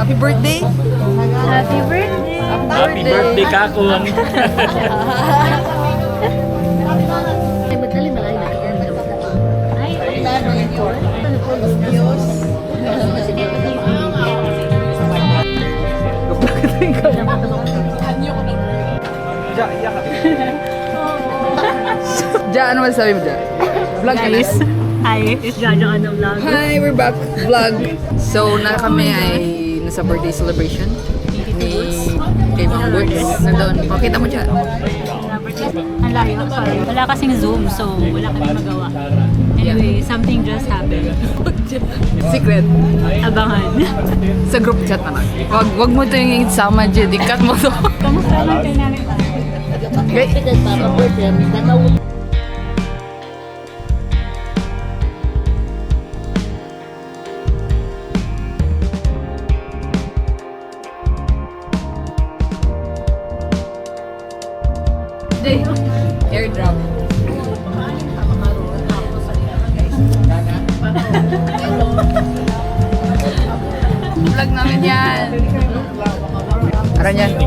Happy birthday! Happy birthday! Happy birthday, Kakong! Ay, madali malayo na kita. Ay, Ja, ano masasabi mo dyan? Vlog guys. Hi, it's Jojo on the vlog. Hi, we're back. Vlog. So, na kami ay nasa birthday celebration ni kay Ma'am Boots. Nandun. Pakita mo dyan. Ang layo, sorry. Wala kasing Zoom, so wala kami magawa. Anyway, something just happened. Secret. Abangan. Sa group chat naman. Wag mo ito yung isama dyan. Ikat mo to. Kamusta lang kayo namin? Okay. Airdrop. Vlog namin yan. Aran yan.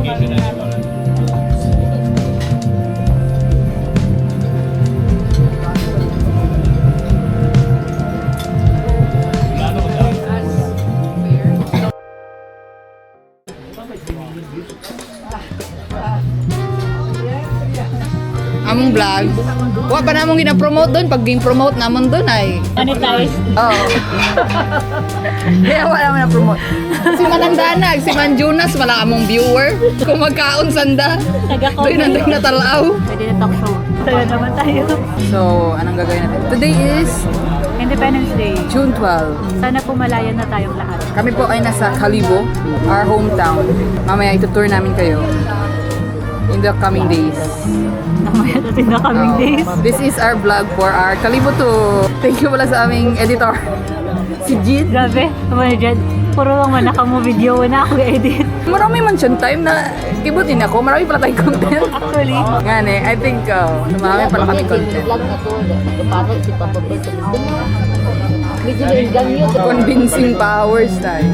Among vlog. Wa pa namong gina-promote doon. Pag ging-promote namon doon ay. Monetize. Oo. Kaya wala naman na-promote. Si Manandanag, si Man Jonas, wala among viewer. Kung magkaon sanda. Doon nandang natalaw. Pwede na talk show. Tayo naman tayo. So, anong gagawin natin? Today is Independence Day. June 12. Sana pumalayan na tayong lahat. Kami po ay nasa Calibo, our hometown. Mamaya itutour namin kayo in the coming days. Namaya natin na coming days. This is our vlog for our Calibo to. Thank you pala sa aming editor, si Jid. Grabe, naman dyan. Puro lang manaka mo video na ako edit. Marami man siyang time na kibutin ako. Marami pala tayong content. Actually, Ngani, I think marami pala kami content. Convincing powers tayo.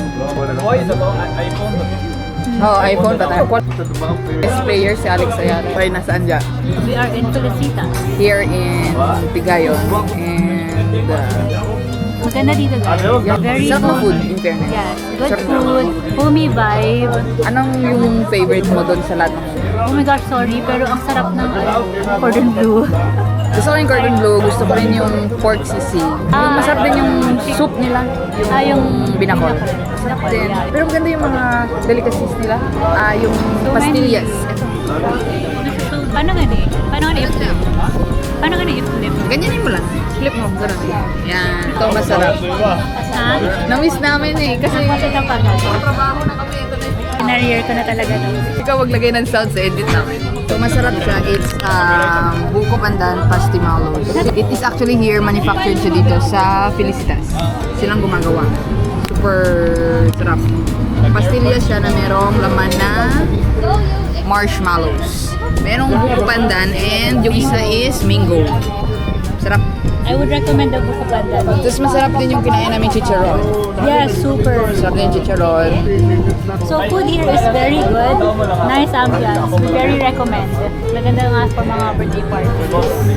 Oh, iPhone pa tayo. Best player si Alex Ayala. Ay, nasaan dyan? we are in Felicitas. Here in Pigayon. And Maganda dito guys. Very sarap na good. food, in fairness. Yes, good Sarap na. food, homey vibe. Anong yung favorite mo doon sa lahat ng Oh my gosh, sorry, pero ang sarap ng cordon bleu. Gusto ko yung cordon bleu, gusto ko rin yung pork sisig. Yung masarap din yung soup nila, yung binakol. Masarap din. Pero maganda yung mga delicacies nila. Yung pastillas. Ito. So, paano gani? Paano gani i-flip? Paano gani i-flip? Ganyanin mo lang. Flip mo. Ganun. Yan. Ito masarap. Ha? Na-miss namin eh. Kasi Kasi kapag trabaho na kami. Ito na yung na-rear ko na talaga to. ikaw maglagay ng sound sa edit namin. So masarap siya. It's buko pandan pastimalos. It is actually here, manufactured siya dito sa Felicitas. Silang gumagawa. Super sarap. Pastilya siya na merong laman na marshmallows. Merong buko pandan and yung isa is mango. Sarap. I would recommend the buko pandan. Tapos masarap din yung kinain namin chicharon. Yes, super. Masarap din yung chicharon. So food here is very good. Nice ambiance. We very recommend. Maganda nga for mga birthday parties.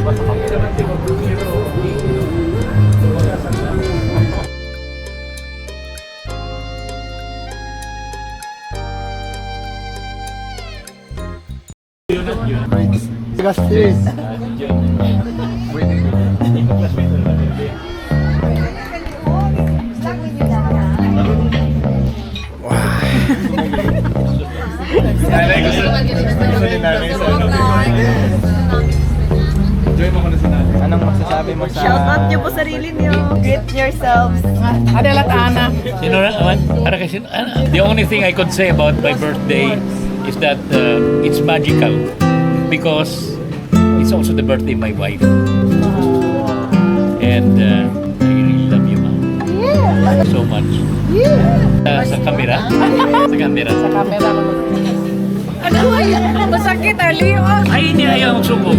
Nanay, gusto ni nanay sa enjoy mo ko na si nanay. Anong masasabi mo sa... Shout out niyo po sarili niyo. Greet yourselves. Adalat Ana. Sino na? Para kasi, the only thing I could say about my birthday is that it's magical because it's also the birthday of my wife. And I really love you, Mom. So much. Sa camera? Sa camera. Sa camera. Ano ba yan? Masakit, Aliyo. Ay, hindi ayaw magsuko.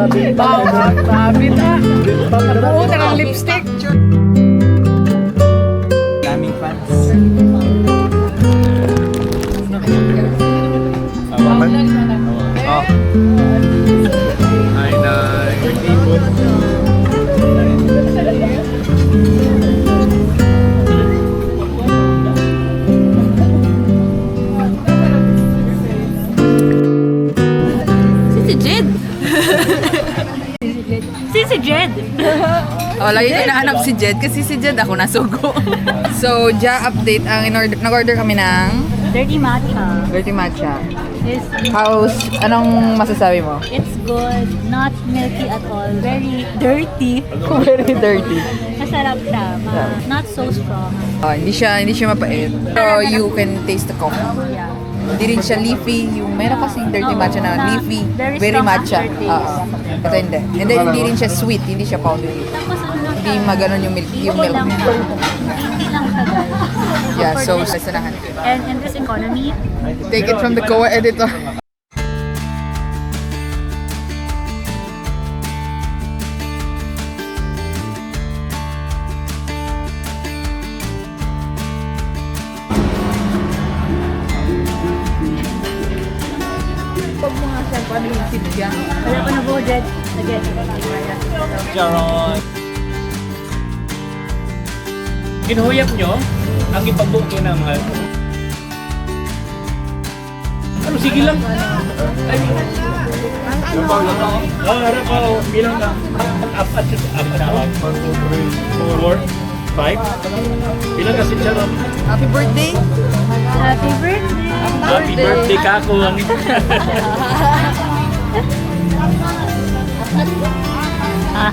Babi na. Buo na ng lipstick. Oh, lagi ko hinahanap si Jed kasi si Jed ako nasugo. So, update. Nag-order kami ng Dirty matcha. dirty matcha. It's, Anong masasabi mo? it's good, not milky at all. Very dirty. Very dirty. Masarap siya. Not so strong. Hindi siya mapait. Pero you can taste the coffee. Yeah. Hindi rin siya leafy. Yung meron kasing dirty Oo, matcha na na leafy. very Very strong matcha. aftertaste. Oo. Ito hindi. And then hindi rin siya sweet. Hindi siya powdery. Tapos ano lang Hindi maganon yung milk. Yung okay milk lang niya. siya. Hindi lang siya guys. Yeah, so For this- sasanahan. And in this economy, Take it from the Koa editor. Pag mga siya, paano yung sinigyan? wala pa na budget. Again. Charon. Ginuhuyap nyo ang ipagbuki ng mga... Ano, sige lang. Ay, harap ako. Bilang ka. Apat. 4, 5. Bilang ka si Charon. Happy birthday! Happy birthday! Happy birthday ka ako. Ah,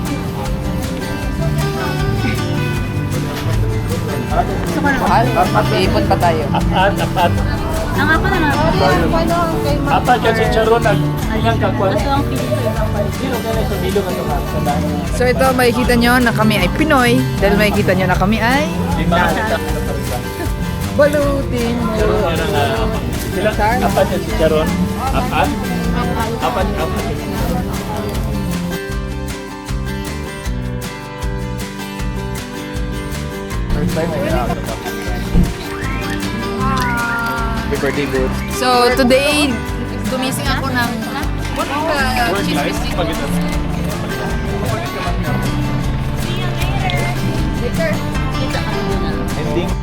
Mahal? Iipon pa tayo. Apat. ang ako na nga. Apat yan si Charon. Nagpingang ka ko. Gusto ang feeling ko ibang balik. So ito, makikita nyo na kami ay Pinoy. Dahil makikita nyo na kami ay balutin mo. Charon yan ang... Bilang apat yan si Charon. Apat. Happy birthday, good. So today, gumising ako ng cheese biscuit. Ending.